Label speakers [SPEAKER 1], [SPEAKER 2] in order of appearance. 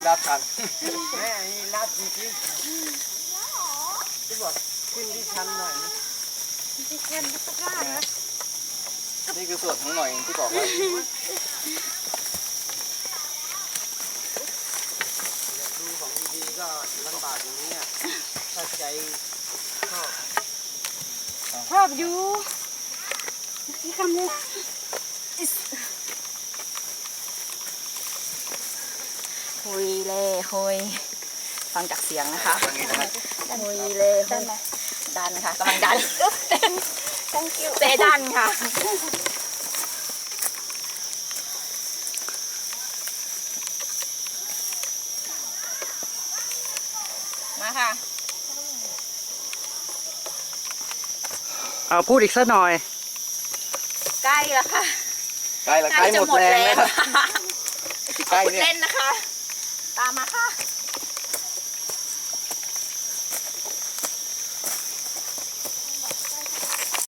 [SPEAKER 1] ลาดชันแม่นี่ลาดจริงๆที่บอกขึ้นที่ชันหน่อย
[SPEAKER 2] ที่เช่นสักด้านนะ
[SPEAKER 1] นี่คือส่วนของหน่อยที่บอกว่าอยากดูของดีๆก็ลำบากอย่างนี้อ่ะถ้าใจชอบ
[SPEAKER 2] ชอบอยู่ที่คำเลย
[SPEAKER 3] หุยเล่หุยฟังจากเสียงนะคะ
[SPEAKER 1] อย่างนี้นะครับ
[SPEAKER 3] หุยเล่หุยดันค่ะกำลังดัน thank you เซดันค่ะมาค่ะ
[SPEAKER 4] เอาพูดอีกสักหน่อย
[SPEAKER 3] ใกล้แล้วค่ะ
[SPEAKER 1] ใกล้ละใกล้หมดแรงแล้วครับ
[SPEAKER 3] ค่ะ
[SPEAKER 1] ใกล้
[SPEAKER 3] พูด
[SPEAKER 1] เนี่ย
[SPEAKER 3] เล่นนะคะ ตามมาค่ะ